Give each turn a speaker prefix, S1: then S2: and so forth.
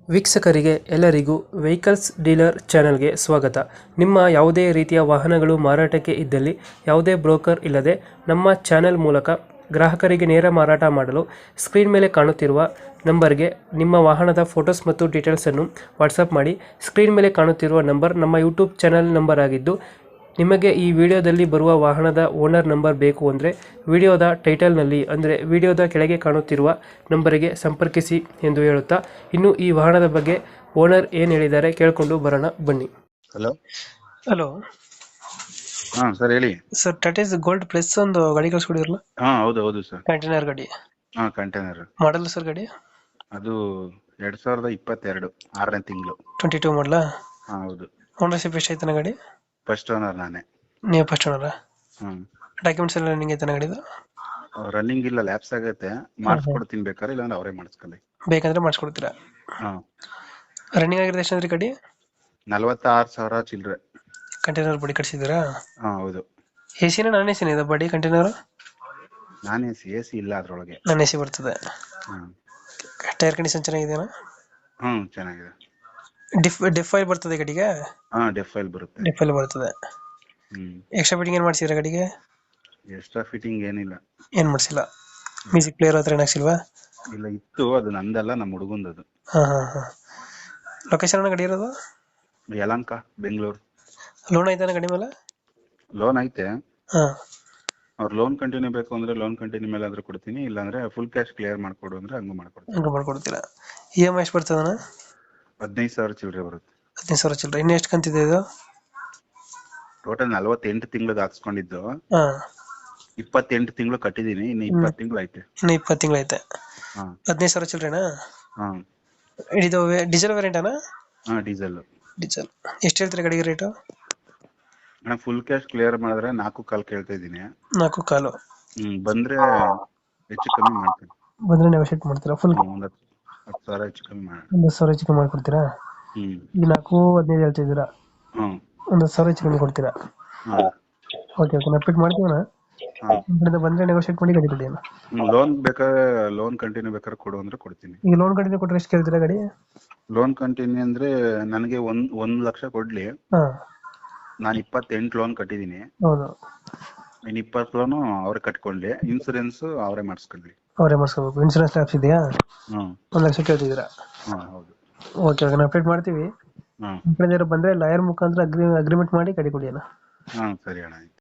S1: ವೀಕ್ಷಕರಿಗೆ ಎಲ್ಲರಿಗೂ vehicles dealer ಚಾನೆಲ್ಗೆ ಸ್ವಾಗತ. ನಿಮ್ಮ ಯಾವುದೇ ರೀತಿಯ ವಾಹನಗಳು ಮಾರಾಟಕ್ಕೆ ಇದ್ದಲ್ಲಿ ಯಾವುದೇ ಬ್ರೋಕರ್ ಇಲ್ಲದೆ ನಮ್ಮ ಚಾನೆಲ್ ಮೂಲಕ ಗ್ರಾಹಕರಿಗೆ ನೇರ ಮಾರಾಟ ಮಾಡಲು ಸ್ಕ್ರೀನ್ ಮೇಲೆ ಕಾಣುತ್ತಿರುವ ನಂಬರ್ಗೆ ನಿಮ್ಮ ವಾಹನದ ಫೋಟೋಸ್ ಮತ್ತು ಡೀಟೇಲ್ಸನ್ನು ವಾಟ್ಸಪ್ ಮಾಡಿ. ಸ್ಕ್ರೀನ್ ಮೇಲೆ ಕಾಣುತ್ತಿರುವ ನಂಬರ್ ನಮ್ಮ ಯೂಟ್ಯೂಬ್ ಚಾನೆಲ್ ನಂಬರ್ ಆಗಿದ್ದು, ನಿಮಗೆ ಈ ವಿಡಿಯೋದಲ್ಲಿ ಬರುವ ವಾಹನದ ಓನರ್ ನಂಬರ್ ಬೇಕು ಅಂದರೆ ವಿಡಿಯೋದ ಟೈಟಲ್ನಲ್ಲಿ ಅಂದರೆ ವಿಡಿಯೋದ ಕೆಳಗೆ ಕಾಣುತ್ತಿರುವ ನಂಬರಿಗೆ ಸಂಪರ್ಕಿಸಿ ಎಂದು ಹೇಳುತ್ತಾ, ಇನ್ನು ಈ ವಾಹನದ ಬಗ್ಗೆ ಓನರ್ ಏನು ಹೇಳಿದ್ದಾರೆ ಕೇಳಿಕೊಂಡು ಬರೋಣ ಬನ್ನಿ.
S2: ಹಲೋ.
S1: ಹಲೋ
S2: ಹಾ ಸರ್ ಹೇಳಿ.
S1: ಸರ್, ಟಾಟಾ ಗೋಲ್ಡ್ ಪ್ಲಸ್ ಒಂದು ಗಾಡಿ ಕಳಿಸ್ಕೊಡಿರಲ್ಲ,
S2: ಹಾ ಹೌದು ಹೌದು ಸರ್.
S1: ಕಂಟೈನರ್ ಗಾಡಿ.
S2: ಹಾ ಕಂಟೈನರ್.
S1: ಮಾಡಲ್ ಸರ್ ಗಾಡಿ?
S2: ಅದು 2022 6ನೇ ತಿಂಗಳು.
S1: 22 ಮಾಡಲಾ?
S2: ಹಾ ಹೌದು.
S1: ಓನರ್ಶಿಪ್ ಎಷ್ಟು ಐತನ ಗಾಡಿ?
S2: ಫಸ್ಟ್ ಓನರ್ ನಾನೇ.
S1: ನೀವು ಫಸ್ಟ್ ಓನರ?
S2: ಹ್ಮ್.
S1: ಡಾಕ್ಯುಮೆಂಟ್ಸ್ ಎಲ್ಲ ರನ್ನಿಂಗ್ ಐತನ ಗಾಡಿದು?
S2: ರನ್ನಿಂಗ್ ಇಲ್ಲ, ಲ್ಯಾಪ್ಸ್ ಆಗತ್ತೆ. ಮಾಡಿಸ್ಕೊಡ್ತೀನಿ ಬೇಕಾದ್ರೆ, ಇಲ್ಲಾಂದ್ರೆ ಅವರೇ ಮಾಡಿಸ್ಕೊಳ್ಳಿ.
S1: ಬೇಕಂದ್ರೆ ಮಾಡಿಸ್ಕೊಡ್ತೀರಾ?
S2: ಹಾ.
S1: ರನ್ನಿಂಗ್ ಆಗಿರೋದು ಎಷ್ಟು ಅಂದ್ರೆ ಗಾಡಿ?
S2: 46,000 ಚಿಲ್ಲರೆ.
S1: ಕಂಟೈನರ್ ಬಾಡಿ ಕಟ್ಸಿದ್ದೀರಾ?
S2: ಹಾ ಹೌದು.
S1: ಎಸಿನ ನಾನ್ ಎಸಿನ ಇದೆ ಬಾಡಿ ಕಂಟೈನರ್?
S2: ನಾನ್ ಎಸಿ ಇಲ್ಲ ಅದ್ರೊಳಗೆ.
S1: ನಾನ್ ಎಸಿ ಬರ್ತದೆ.
S2: ಹ್ಮ್.
S1: ಟೈರ್ ಕಂಡೀಷನ್ ಚೆನ್ನಾಗಿದೆಯಾ?
S2: ಹ್ಮ್ ಚೆನ್ನಾಗಿದೆ.
S1: ಡಿಫ್ ಆಯಿಲ್ ಬರ್ತದೆ ಗಾಡಿಗೆ?
S2: ಹಾ ಡೆಫ್ ಫೈಲ್ ಬರುತ್ತೆ.
S1: ಡಿಫ್ ಆಯಿಲ್ ಬರ್ತದೆ.
S2: ಹ್ಮ್.
S1: ಎಕ್ಸ್ಟ್ರಾ ಫಿಟ್ಟಿಂಗ್ ಏನು ಮಾಡ್ಸಿದ್ರೆ ಗಾಡಿಗೆ?
S2: ಎಕ್ಸ್ಟ್ರಾ ಫಿಟ್ಟಿಂಗ್ ಏನಿಲ್ಲ.
S1: ಏನು ಮಾಡಿಸಿಲ್ಲ. ಮ್ಯೂಸಿಕ್ ಪ್ಲೇಯರ್ ಹತ್ರ ಏನು ಹಾಕ್ಸಿಲ್ವಾ?
S2: ಇಲ್ಲ ಇತ್ತು, ಅದು ನಂದಲ್ಲ, ನಮ್ಮ ಹುಡುಗಂದದು.
S1: ಹಾಂ ಹಾಂ ಹಾಂ. ಲೊಕೇಶನ್ ಗಾಡಿ ಇರೋದು?
S2: ಯಲಹಂಕ, ಬೆಂಗಳೂರು.
S1: ಲೋನ್ ಐತಾನ ಗಾಡಿ ಮೇಲೆ?
S2: ಲೋನ್ ಐತೆ.
S1: ಹಾಂ.
S2: ಅವ್ರು ಲೋನ್ ಕಂಟಿನ್ಯೂ ಬೇಕು ಅಂದ್ರೆ ಲೋನ್ ಕಂಟಿನ್ಯೂ ಮೇಲೆ ಆದ್ರೂ ಕೊಡ್ತೀನಿ, ಇಲ್ಲಾಂದ್ರೆ ಫುಲ್ ಕ್ಯಾಶ್ ಕ್ಲಿಯರ್ ಮಾಡ್ಕೊಡು ಅಂದ್ರೆ ಹಂಗೂ ಮಾಡ್ಕೊಡ್ತೀನಿ.
S1: ಹಂಗೆ ಮಾಡ್ಕೊಡ್ತೀರಾ? ಇ ಎಮ್ ಐ ಎಷ್ಟು ಬರ್ತದಣ್ಣ?
S2: 15,000 ಚಿಲ್ಲರೆ ಬರುತ್ತೆ.
S1: 15,000 ಚಿಲ್ಲರೆ. ಇನ್ನು ಎಷ್ಟು ಕಂತಿದೆ ಇದು?
S2: ಟೋಟಲ್ 48 ತಿಂಗಳಿಗೆ ಹಾಕ್ಸ್ಕೊಂಡಿದ್ದು.
S1: ಹಾಂ.
S2: 28 ತಿಂಗಳು ಕಟ್ಟಿದೀನಿ, ಇನ್ನು 20 ತಿಂಗಳು ಐತೆ.
S1: ಇನ್ನು 20 ತಿಂಗಳು ಐತೆ.
S2: ಹಾ.
S1: 15,000 ಚಿಲ್ಲರೆನಾ?
S2: ಹಾ.
S1: ಇದು ಡೀಸೆಲ್ ವೇರಿಯಂಟನಾ?
S2: ಹಾ ಡೀಸೆಲ್.
S1: ಡೀಸೆಲ್. ಎಷ್ಟು ಹೇಳ್ತೀರಾ ಗಾಡಿಗೆ ರೇಟು?
S2: ಅಣ್ಣ ಫುಲ್ ಕ್ಯಾಶ್ ಕ್ಲಿಯರ್ ಮಾಡಿದ್ರೆ 4.25 ಕೇಳ್ತಾ ಇದ್ದೀನಿ.
S1: 4.25.
S2: ಬಂದ್ರೆ ಹೆಚ್ಚು ಕಮ್ಮಿ ಮಾಡ್ತೀನಿ.
S1: ಬಂದ್ರೆ ನೆಗೋಶಿಯೇಟ್ ಮಾಡ್ತೀರಾ? ಫುಲ್
S2: ಒಂದು 10,000 ಹೆಚ್ಚು ಕಮ್ಮಿ ಮಾಡಿ.
S1: 10,000 ಹೆಚ್ಚು ಕಮ್ಮಿ ಮಾಡ್ಕೊಡ್ತೀರಾ? ಈಗ 4.15 ಹೇಳ್ತಿದ್ದೀರಾ?
S2: ಹ್ಮ್.
S1: 10,000 ಹೆಚ್ಚು ಕಮ್ಮಿ ಕೊಡ್ತೀರಾ?
S2: ಹಾ.
S1: ಓಕೆ ಓಕೆ, ನಾವು ಪಿಕ್ ಮಾಡ್ತೀವಣ್ಣ.
S2: ಹಾ.
S1: ಬಂದ್ರೆ ನೆಗೋಶಿಯೇಟ್ ಮಾಡಿ ಗಾಡಿ ಕೊಡಿ ಅಣ್ಣ.
S2: ಲೋನ್ ಬೇಕಾದ್ರೆ ಲೋನ್ ಕಂಟಿನ್ಯೂ ಬೇಕಾದ್ರೆ ಕೊಡು ಅಂದ್ರೆ ಕೊಡ್ತೀನಿ.
S1: ಈಗ ಲೋನ್ ಕಂಟಿನ್ಯೂ ಕೊಟ್ಟರೆ ಎಷ್ಟು ಕೇಳ್ತೀರಾ ಗಾಡಿ?
S2: ಲೋನ್ ಕಂಟಿನ್ಯೂ ಅಂದ್ರೆ ನನಗೆ 1 ಲಕ್ಷ ಕೊಡ್ಲಿ.
S1: ಹಾಂ.
S2: ನಾನು 28 ಲೋನ್ ಕಟ್ಟಿದೀನಿ.
S1: ಹೌದು.
S2: ಇನ್ನು 20 ಲೋನು ಅವ್ರೆ ಕಟ್ಕೊಳ್ಳಿ, ಇನ್ಸೂರೆನ್ಸ್ ಅವರೇ ಮಾಡಿಸ್ಕೊಳ್ಳಿ.
S1: ಅವರೇ ಮಾಡಿಸ್ಕೋಬೇಕು. ಇನ್ಸೂರೆನ್ಸ್ ಲ್ಯಾಪ್ಸ್ ಇದೆಯಾ?
S2: ಹ್ಮ್.
S1: 1 ಲಕ್ಷ ಕೇಳ್ತಿದ್ದೀರಾ?
S2: ಹಾ ಹೌದು.
S1: ಓಕೆ ಓಕೆ, ನಾವು ಅಪ್ಡೇಟ್ ಮಾಡ್ತೀವಿ.
S2: ಹ್ಮ್.
S1: ನಿಮ್ಮ ಕಡೆ ಬಂದರೆ ಲಾಯರ್ ಮುಖಾಂತರ ಅಗ್ರಿಮೆಂಟ್ ಮಾಡಿ ಗಾಡಿ ಕೊಡಿ ಅಣ್ಣ.
S2: ಹಾ ಸರಿ ಅಣ್ಣ.